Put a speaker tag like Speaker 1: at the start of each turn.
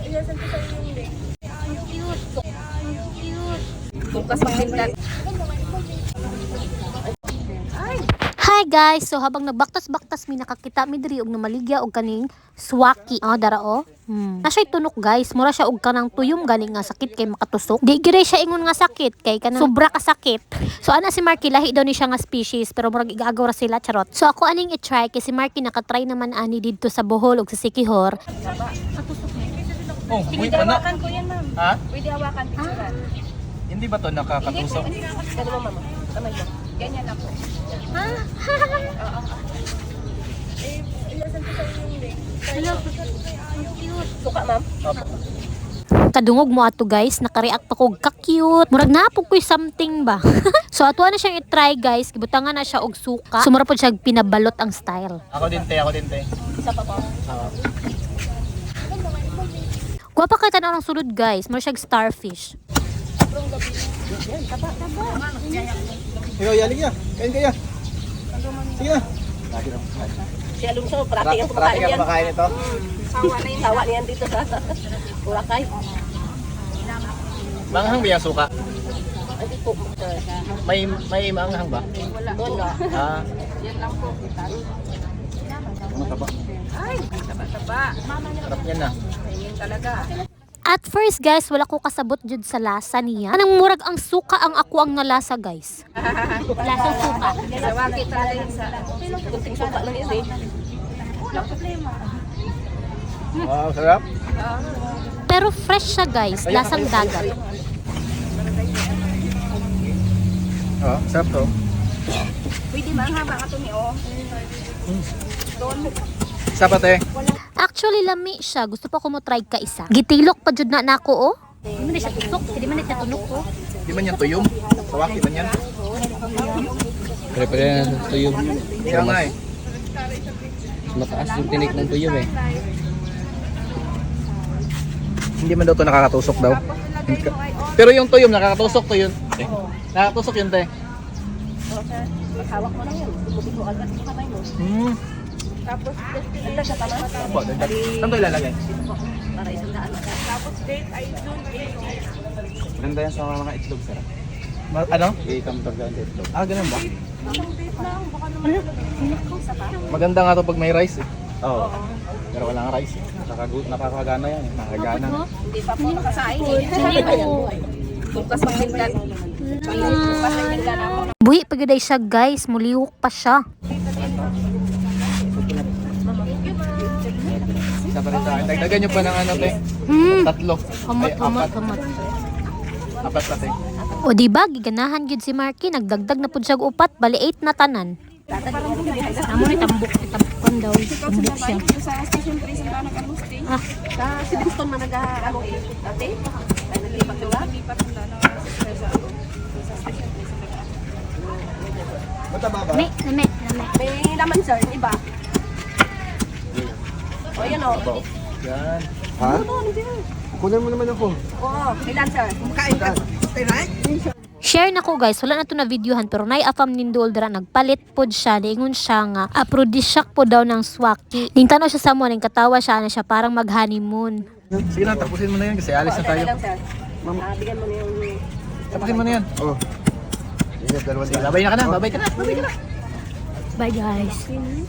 Speaker 1: Ilasan ko sa'yo yung link. Cute. Cute. Bukas magtindan.
Speaker 2: Hi guys! So habang nagbaktas-baktas mi nakakita mi diri og namaligya og kaning swaki. Dara o. Nasa'y tunok guys, mura siya og kanang tuyom galing nga sakit kay makatusok. Di gire siya ingon nga sakit kay kanang sobra ka sakit. So ana si Marky lahi daw ni siya nga species pero murag igagaw ra sila charot. So ako aning i-try kay si Marky nakatry naman ani didto sa Bohol ug sa Siquijor.
Speaker 3: Oh,
Speaker 1: Pwede
Speaker 3: wait, ano?
Speaker 1: hawakan ko yan, ma'am.
Speaker 3: Ha?
Speaker 1: Pwede hawakan, picturean.
Speaker 3: Hindi ba to nakakatusok?
Speaker 1: Ganun mo, mama. Kamay mo. Ganyan ako. Oo. Ilasan ko sa'yo yung link. Hello. Cute. Suka, ma'am.
Speaker 3: Opo.
Speaker 2: Kadungog mo ato guys, naka-react ako ka-cute. Murag napog ko'y something ba. So ato na siyang i-try guys, gibutangan na siya og suka. Sumara po siya pinabalot ang style.
Speaker 3: Ako din, te.
Speaker 1: Isa pa po.
Speaker 2: Guwapa ka tanaw ng sulod guys, mura siya starfish.
Speaker 3: Ikaw, yalig niya. Kain kaya. Sige na.
Speaker 1: Si Alonso, parating ang kumakain yan.
Speaker 3: kumakain ito.
Speaker 1: Sawa niyan dito sa Boracay.
Speaker 3: Manghang ba yung suka?
Speaker 1: Hindi po.
Speaker 3: May manghang ba?
Speaker 1: Wala.
Speaker 3: Ah,
Speaker 1: Yan lang po.
Speaker 3: mataba.
Speaker 1: Ay, taba-taba.
Speaker 3: Sarap yan na.
Speaker 1: Tingin talaga.
Speaker 2: At first guys, wala ko kasabot jud sa lasa niya. Anong murag ang suka ang ako ang nalasa guys. Lasang suka.
Speaker 1: Sa wakit talaga yun sa kunting suka lang yun eh. Wala problema.
Speaker 3: Wow, sarap.
Speaker 2: Pero fresh siya guys, lasang dagat.
Speaker 3: Oh, sarap to.
Speaker 1: Pwede ba ang haba ka ito ni O? Doon.
Speaker 3: Isa pa, te.
Speaker 2: Actually lami siya, gusto pa ko mo try ka isa. Gitilok pa jud na nako oh. Hindi man siya tusok, hindi man siya tunok oh.
Speaker 3: Di man yan tuyom? Sawaki man yan?
Speaker 4: Pare-pare na sa tuyom.
Speaker 3: Kaya nga eh.
Speaker 4: Mataas yung tinik ng tuyom eh.
Speaker 3: Hindi man daw to nakakatusok daw. Pero yung tuyom, nakakatusok to yun. Nakakatusok yun, te.
Speaker 1: Hawak mo lang yun. Bumubito agad sa kamay mo. Tapos, ito siya tama.
Speaker 3: Opo, dagdag. Saan to ilalagay?
Speaker 1: Para isang daan. Tapos, date ay June 8.
Speaker 4: Maganda yan sa mga itlog, sir.
Speaker 3: Ano?
Speaker 4: I-come to the itlog.
Speaker 3: Ah, ganun ba?
Speaker 1: Isang date lang. Baka naman isa pa.
Speaker 3: Maganda nga to pag may rice eh.
Speaker 4: Oo.
Speaker 3: Pero walang rice eh.
Speaker 4: Nakakagana yan eh. Nakakagana.
Speaker 1: Hindi pa po nakasain eh. Bukas magtindan. Bukas magtindan ako.
Speaker 2: Buhi pagiday siya guys, muliwok pa siya.
Speaker 3: Isa pa rin sa akin. Dagdagan nyo pa ng ano, te. Tatlo. Ay, apat. Apat pa, te.
Speaker 2: O di ba giganahan gyud si Marky, nagdagdag na pud siya og upat, bali 8 na tanan. Amo ni tambok daw, tambok siya.
Speaker 1: Sa station 3 sa Tanang Agustin. Sa Siduston man nag-ano eh. Dati, ay naglipat ko lang. Naglipat ko lang sa station 3 sa
Speaker 3: Mataba ba?
Speaker 2: Lame.
Speaker 1: May laman sir, iba. O yan o.
Speaker 3: Yan.
Speaker 4: Ha? Kunin mo naman ako.
Speaker 1: Oo, ilan sir? Kumakain ka.
Speaker 2: Share na ko guys, wala na to na videohan pero nay-afam nindol dira nagpalit pod siya, niingon siya nga aphrodisiac po daw ng swaki. Ning tanaw siya sa mo, ning katawa siya na siya parang mag-honeymoon.
Speaker 3: Sige na, tapusin mo na yan kasi alis na tayo.
Speaker 1: Ilan sir? Bigyan mo na yung...
Speaker 3: Tapusin mo na yan.
Speaker 4: Oo.
Speaker 3: Sige, babay na ka na.
Speaker 2: Bye guys.